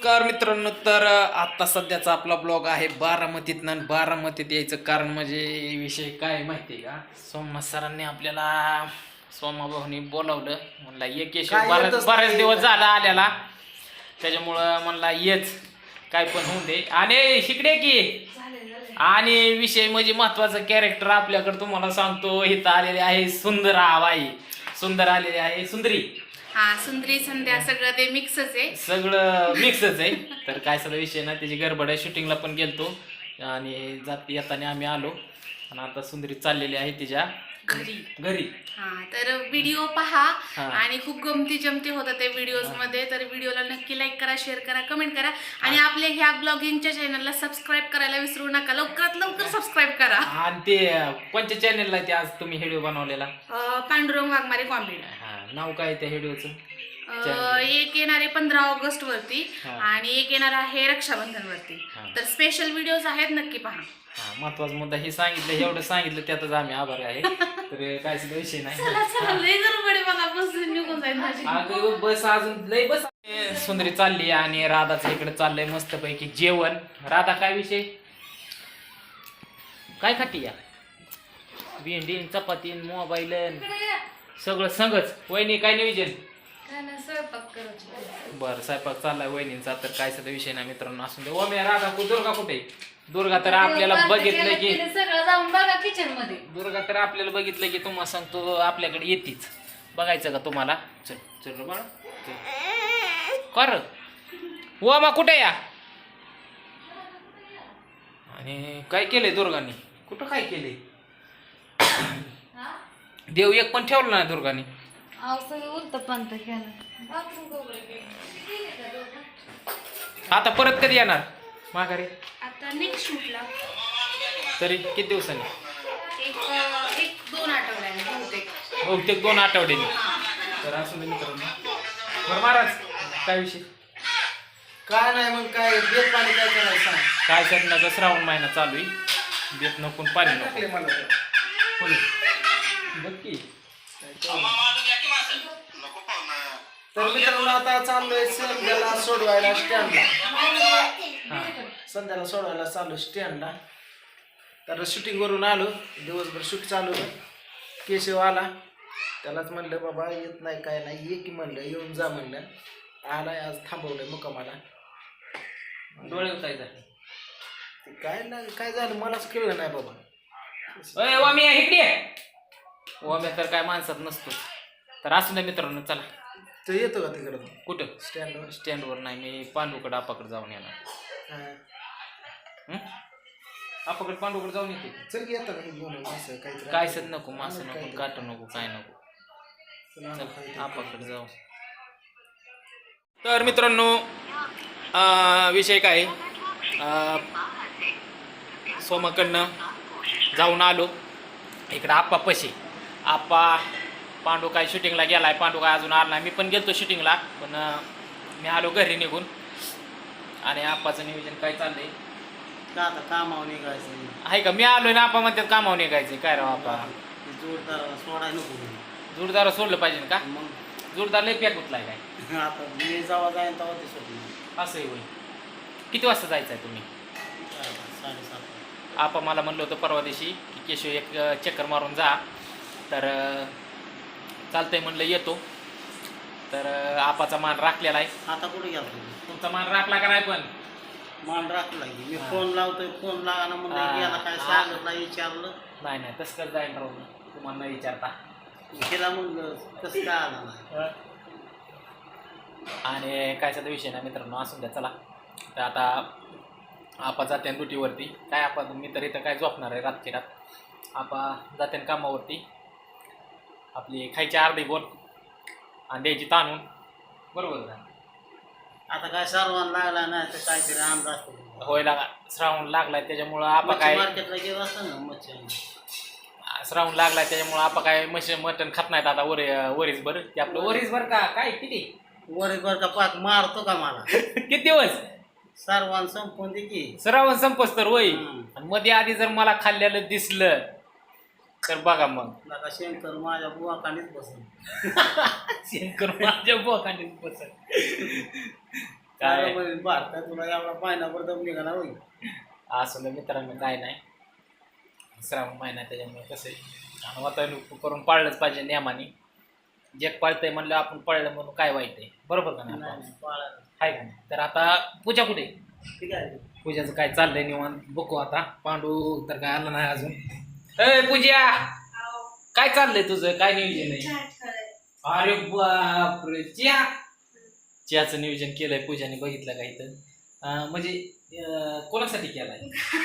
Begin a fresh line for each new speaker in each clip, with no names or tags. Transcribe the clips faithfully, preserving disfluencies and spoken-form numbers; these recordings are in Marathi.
नमस्कार मित्रांनो. तर आता सध्याचा आपला ब्लॉग आहे बारामतीतनं आणि बारामतीत यायचं कारण म्हणजे विषय काय माहिती आहे का, सोमा सरांनी आपल्याला सोमा भाऊनी बोलावलं. म्हणला ये केशव, बराच बरेच दिवस झाला आल्याला, त्याच्यामुळं म्हणला येच काय पण होऊन दे. आणि शिकडे की आणि विषय म्हणजे महत्वाचं कॅरेक्टर आपल्याकडे तुम्हाला सांगतो. इथं आलेले आहे सुंदर बाई, सुंदर आलेले आहे सुंदरी.
हा सुंदरी संध्या सगळं ते मिक्सच आहे,
सगळं मिक्सच आहे. तर काय सगळं विषय ना, त्याची गडबड आहे. शूटिंगला पण गेलतो आणि जात येताना आम्ही आलो आणि आता सुंदरी चाललेली आहे तिच्या
घरी
घरी.
हा तर व्हिडिओ पहा
हा.
आणि खूप गमती जमती होतात त्या व्हिडिओज मध्ये. तर व्हिडिओला नक्की लाईक करा, शेअर करा, कमेंट करा आणि आपल्या ह्या ब्लॉगिंगच्या चॅनलला सबस्क्राईब करायला विसरू नका. लवकरात लवकर सबस्क्राईब करा.
आणि ते कोणत्या चॅनेलला ते आज तुम्ही व्हिडिओ बनवलेला?
अं, पांडुरंग वाघमारे कॉमेडी.
हा, नाव काय त्या व्हिडिओचं?
एक येणार आहे पंधरा ऑगस्ट वरती
हा.
आणि एक येणार आहे रक्षाबंधन वरती.
हा.
तर स्पेशल व्हिडिओज आहेत, नक्की पहा.
हा, महत्वाचा मुद्दा हे सांगितलं, एवढं सांगितलं त्यातच आम्ही आभार आहे. तर काय सुद्धा विषय नाही.
चला चला, लय गडबड आहे, मला बस निघून जाईल माझी.
अगं बस अजून लय बस. सुंदरी चालली आणि राधाचं इकडे चाललंय मस्तपैकी जेवण. राधा काय विषय काय खाती या? भेंडी चपाती मोबाईल सगळं संगच. वहिनी काय नियोजन? बरं, स्वयंपाक चाललाय वहिनींचा. तर काय सध्या विषय नाही मित्रांनो, असून दे. ओ मी राधा कु दुर्गा कुठे? दुर्गा तर आपल्याला बघितलं की
सगळं जाऊन बघा किचन मध्ये.
दुर्गा तर आपल्याला बघितलं की तुम्हाला सांगतो आपल्याकडे येतीच. बघायचं का तुम्हाला? चल चल बाळा कर. व मा कुठे या? आणि काय केलंय दुर्गाने? कुठं काय केलंय? देव एक पण ठेवलं नाही दुर्गाने.
उलट पंत केलं.
आता परत कधी येणार माघारी?
आता नेक्स्ट शूटला
तरी किती दिवसांनी?
एक एक दोन आठवड्याने बहुतेक.
बहुतेक दोन आठवड्यानी. तर असं दे मित्रांनो. बरं महाराज काय विषय?
काय नाही मग काय बेत पाणी काय करायचं सांग.
काय सणाचा श्रावण महिना चालू आहे. बेत नको पाणी नको.
टाकले मला तर.
बोल बघ की.
तर मित्रांनो आता चाललोय संध्याला सोडवायला स्टँडला.
हां
संध्याला सोडवायला चाललो स्टँडला. तर शूटिंग करून आलो, दिवसभर शूट चालू होतं. केशव आला, त्यालाच म्हणलं बाबा येत नाही काय नाही, ये की म्हणलं, येऊन जा म्हणलं. आलाय आज, थांबवलंय मुक्कामाला.
डोळे काय झाले?
ते काय नाही काय झालं मलाच कळलं नाही बाबा.
अय वामी इकडे ये. वामी तर काय माणसात नसतो. तर असू दे मित्रांनो, चला.
तो येतो का तिकडं
कुठं?
स्टँडवर?
स्टँडवर नाही, मी पांडूकडे आपाकडे जाऊन येणार.
हां
आपाकडे पांडूकडे जाऊन येते.
चल की येतं का घेऊन असं काहीतरी.
काय सत नको, मासं नको, काट नको, काय नको.
चला,
चल
काहीतरी.
आपाकडे जाऊ. तर मित्रांनो अं, विषय काय अं, सोमाकडनं जाऊन आलो इकडं आप्पा पशी. आप्पा पांडू काय शूटिंगला गेलाय, पांडू काय अजून आला नाही. मी पण गेलतो शूटिंगला, पण अं, मी आलो घरी निघून. आणि आप्पाचं नियोजन काय चाललंय
का आता कामावर निघायचं
आहे का? मी आलोय ना, आप्पा म्हणतात कामावर निघायचं. काय राव आप्पा,
जोरदार सोडायला नको.
जोरदार सोडलं पाहिजे का?
मग
जोरदार लय पॅक उठलाय काय?
आता मी जेव्हा जाईन तेव्हा ते सोडलं.
असं आहे होय. किती वाजता जायचं आहे तुम्ही?
साडेसात.
आपा मला म्हणलं होतं परवा दिवशी की केशव एक अ, चक्कर मारून जा. तर अ, चालतंय म्हणलं येतो. तर अ, आपाचा मान राखलेला आहे.
आता कुठे गेला तुम्ही?
तुमचा मान राखला का नाही? पण
मान राखला की मी
हा.
फोन लावतोय, फोन लागाना
हा.
म्हणलं गेला काय
हा.
सांगितलं विचारलं.
नाही नाही तसं कर जाईन राहून तुम्हाला नाही विचारता.
तिला म्हणलं कसं काय आला नाही.
आणि काय सध्या विषय नाही मित्रांनो, असून द्या. चला तर आता आपा जाते ड्युटीवरती. काय आपा मी तर इथं काय झोपणार आहे रातची रात. आपा जाते कामावरती. आपली खायची अर्धी बोल आणि द्यायची ताणून. बरोबर ना?
आता काय सर्वांना लागला नाही तर काहीतरी अंदाज असतो.
होय लागा, श्रावण लागलाय त्याच्यामुळं आपा काय
मार्केटला गेलं असतं ना मच्छी.
श्रावण लागलाय त्याच्यामुळं आपा काय मशी मटण खात नाहीत आता. वरी वरीच बरं ते आपलं वरीच बरं का काय किती
वर बर का पाक मारतो का मला?
किती दिवस
सर्वांना संपून दे की.
श्रावण संपस तर होय.
हम्म.
आणि मध्ये आधी जर मला खाल्लेलं दिसलं तर बघा मग.
नका शंकर माझ्या बुवाखालीच बसून.
शंकर माझ्या बोकांडीत बसल. काय
भारतात तुला एवढा पायनावर दम निघाला होईल.
असं मित्रांनो काय नाही, श्रावण महिना त्याच्यामुळे कसं आहे आणि वातावरण करून पाळलंच पाहिजे नियमाने. जग पाळतंय म्हणलं आपण पाळलं म्हणून काय वाईट आहे, बरोबर का नाही? आहे का नाही? तर आता पूजा कुठे?
ठीक आहे.
पूजाचं काय चाललंय निवांत बघू आता. पांडू तर काय आला नाही अजून. ए पूजा काय चाललंय तुझं, काय नियोजन आहे? अरे बापरे, चिया चियाचं नियोजन केलंय पूजाने, बघितलं का इथं? अं, म्हणजे अं, कोणासाठी केलाय?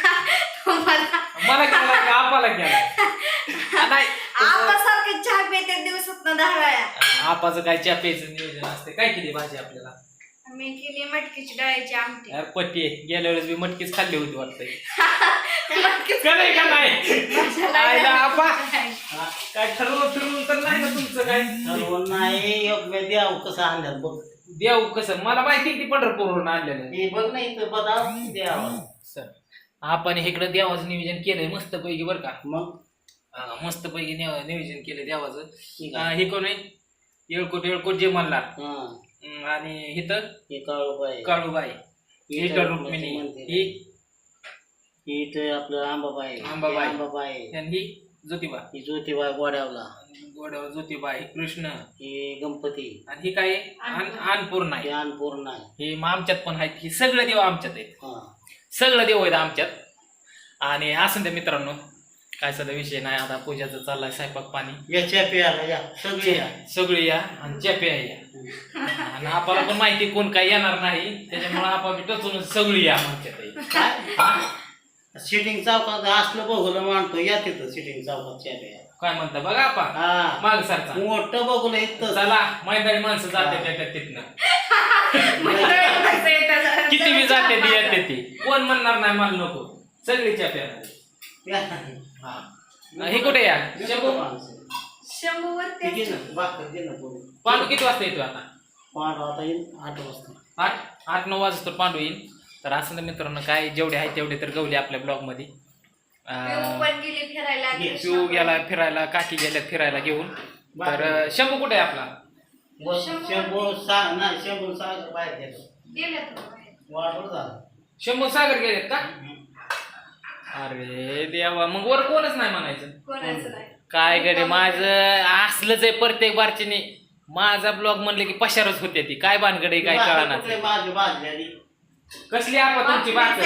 मला केलाय का आपाला केलाय? नाही
सारखं चहा पिते दिवसात दहा वेळा.
आपाचं काय चहा प्यायचं नियोजन असते. काय केली भाजी आपल्याला?
मी केली मटकीची डाळीची आमटी.
अरे पट्टी आहे, गेल्या वेळेस मी मटकीच खाल्ली होती वाटतंय. खरंय का नाही? आयला आपा हा, काय ठरवून ठरवून तर नाही ना तुमचं काय?
नाही योग्य द्याव कसं आणल्यात बघ.
देव कसं मला माहिती की पंढरपूरवरून आणलेलं.
हे बघ ना इथं बदाम द्यावं.
सर आपण इकडं देवाचं नियोजन केलंय मस्त पैकी बरं का.
मग
मस्त पैकी नियोजन केलंय देवाचं.
ठीक
अं, हे कोण आहे? येळकोट येळकोट जे म्हणला.
हा
अं, आणि हिथं
हे काळूबाई
काळूबाई, हिथं रुक्मिणी, ही
ही इथं आपलं आंबाबाई
आंबाबाई.
आंबाबाई
आणि ही ज्योतिबा,
ही ज्योतिबाई गोड्यावला.
गोड्यावर ज्योतिबा, ही कृष्ण,
ही गणपती,
आणि ही काय आहे? अन- अन्नपूर्णा
ही
आहे.
अन्नपूर्णा आहे.
हे मग आमच्यात पण आहेत. ही सगळे देव आमच्यात आहेत,
हा
सगळं देव आहेत आमच्यात. आणि असं त्या मित्रांनो काय सध्या विषय नाही. आता पूजाचं चाललाय स्वयंपाक पाणी.
याच्या प्याला या सगळी या.
सगळी या आणि चॅप्या या. आणि आपल्याला पण माहिती कोण काय येणार नाही, त्याच्यामुळे आपण टचून सगळी या आमच्यात.
काय सिटिंग चौकात असलं बघूलं मानतो या तिथं सिटिंग चौकात चहा
काय म्हणता बघा आपण
हा
माग सरचा
मोठं बघूलं इथं.
चला मैदानी माणसं जाते त्याच्यात तिथनं. किती बी जाते ती येते ती, कोण म्हणणार नाही मला नको, सगळी चॅप्या. हे कुठे या शंभू?
शंभू वरती
पांडू किती वाजता येतो आता?
पांडू आता येईल आठ वाजता.
आठ आठ नऊ वाजता पांडू येईल. तर असं ना मित्रांनो काय जेवढे आहे तेवढे तर गवले आपल्या ब्लॉग मध्ये.
पण गेली फिरायला.
शिव गेला फिरायला, काकी गेल्या फिरायला घेऊन. तर शंभू कुठे आहे आपला?
शंभू सा नाही शंभू सागर बाहेर गेलो.
गेल्या
वाढवलं झालं.
शंभू सागर गेलेत का? अरे देवा, मग वर कोणच नाही म्हणायचं.
कोणाचं नाही.
काय गडे माझं असलंच आहे प्रत्येक बारचीने. माझा ब्लॉग म्हणले की पशारच होते ती. काय भानगडे काय कळणार.
बाजू बाजली
कसली आपा तुमची भाकर?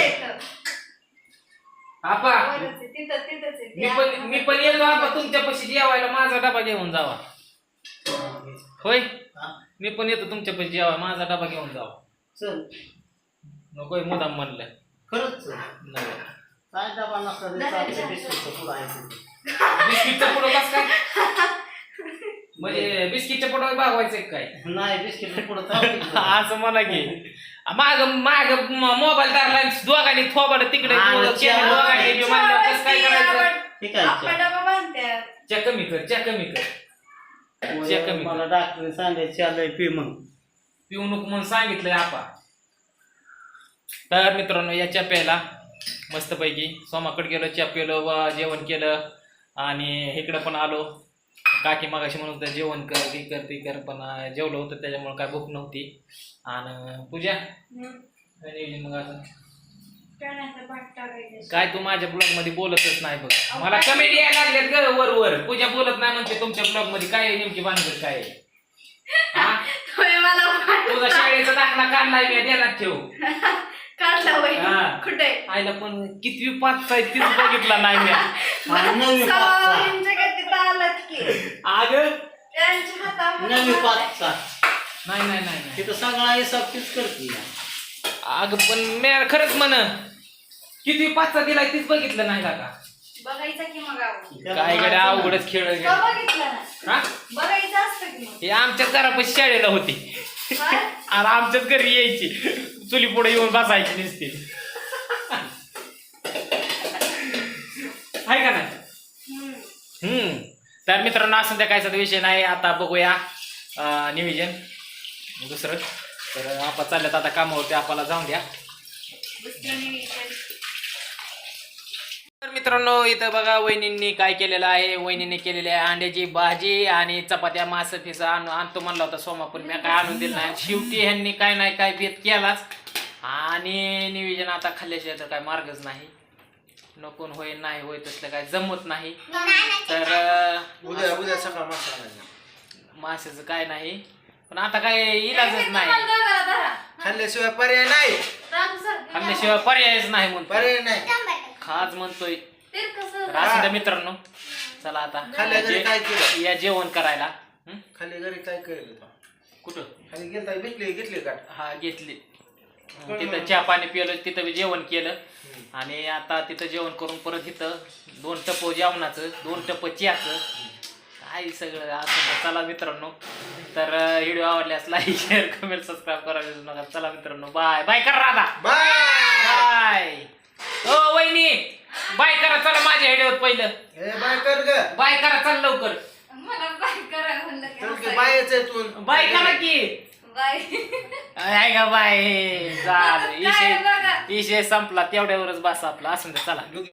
आपा मी पण मी पण येतो आपा तुमच्यापाशी जेवायला, माझा डबा घेऊन जावा. होय मी पण येतो तुमच्यापाशी जेवा, माझा डबा घेऊन जावा.
चल
नकोय मुदाम म्हणलं.
खरंच
नाही.
काय डबा नसतं बिस्किटचं पुढं आहे.
बिस्किटचं पुढं कस काय? म्हणजे बिस्किटच्या पुढं भागवायचं काय?
नाही बिस्किटचं पुढं चालतं.
असं म्हणा की माग माग मोबाईल धरला दोघांनी थोबाड तिकडे दोघांनी कसं काय करायचं?
ठीक आहे
डबा बांधत्यात.
च्या कमी कर, च्या कमी कर, च्या कमी
मला
कर.
डॉक्टरने सांगायचे आलंय पी मग
पिऊ नको म्हणून सांगितलंय आपा. तर मित्रांनो या च्या प्यायला मस्तपैकी सोमाकडे गेलो, च्या पिलो, जेवण केलं आणि इकडं पण आलो. काकी मागाशी म्हणून तर जेवण कर ती कर ती कर, पण जेवलं होतं त्याच्यामुळे काय भूक नव्हती. आणि पूजा मग असं काय तू माझ्या ब्लॉग मध्ये बोलतच नाही बघ. मला कमेंट यायला लागल्यात ग वर वर. पूजा बोलत नाही म्हणते तुमच्या ब्लॉग मध्ये. काय आहे नेमकी भानगड काय आहे? तुझा शाळेचा दाखला काढलाय मी, ध्यानात ठेव.
काढला होय.
हा.
कुठे
आईला पण कितवी पाच आहे तीच बघितला नाही मी.
नवी
अग
नवी पाचचा
नाही नाही नाही नाही.
तिथं सगळा हिसाब तीच करते.
अग पण मी खरंच म्हण किती पाचचा दिलाय तीच बघितलं नाही का?
बघायचं की मग
काय गड्या अवघडच खेळ आहे.
बघितलं ना
हा?
बघायचं असतं की मग.
हे आमच्याच घरापाशी शाळेला होती
काय?
आणि आमच्याच घरी यायची, चुली पुढे येऊन बसायची नुसती. आहे का नाही?
हम्म.
हम्म. तर मित्रांनो असं त्या कायचा विषय नाही. आता बघूया अं, नियोजन दुसरं. तर आपण चालल्यात आता कामावरती, आपल्याला जाऊन द्या.
दुसरं नियोजन.
तर मित्र मित्रांनो इथं बघा वहिनींनी काय केलेलं आहे. वहिनीने केलेली आहे अंड्याची भाजी आणि चपात्या मास फिसा आणून आणतो म्हणला होता सोमा, पण मी काय आणून दिलं नाही. शेवटी ह्यांनी काय नाही काय बेत केलाच आणि नियोजन आता खाल्ल्याशिवाय तर काय मार्गच नाही. नकोन होय नाही होय तसलं काय जमत नाही. तर
उद्या उद्या सकाळ मसाला
माशाचं काय नाही, पण आता काय इलाजच नाही.
खाल्ल्याशिवाय पर्याय नाही.
खाल्ल्याशिवाय पर्यायच नाही म्हणतो.
पर्याय नाही.
खाज म्हणतोय.
ते कसं
तर असं द्या मित्रांनो, चला आता
खाल्ल्या घरी काय केलं?
या जेवण करायला. हं?
खाली घरी काय केलं?
कुठं
खाली गेलता भेटली घेतली का?
हा घेतली. तिथं चहा पाणी पिलं, तिथं बी जेवण केलं आणि आता तिथं जेवण करून परत इथं दोन टप जेवणाचं, दोन टप चहाचं, काय सगळं असं. चला मित्रांनो, तर व्हिडिओ आवडल्यास लाईक शेअर कमेंट सबस्क्राईब करा विसरू नका. चला मित्रांनो, बाय बाय करा राधा.
Bye
bye. ओ वहिनी बाय करा. चला माझ्या व्हिडिओत पहिलं
ए बाय कर ग.
बाय करा. चल लवकर
मला बाय करा म्हणलं की
चल की
हसायला.
बायच आहे तू.
बाय करा की.
बाय
आहे का बाय. झालं
काय
विषय
बघा.
विषय संपला. तेवढ्यावरच बस आपला. असं चला.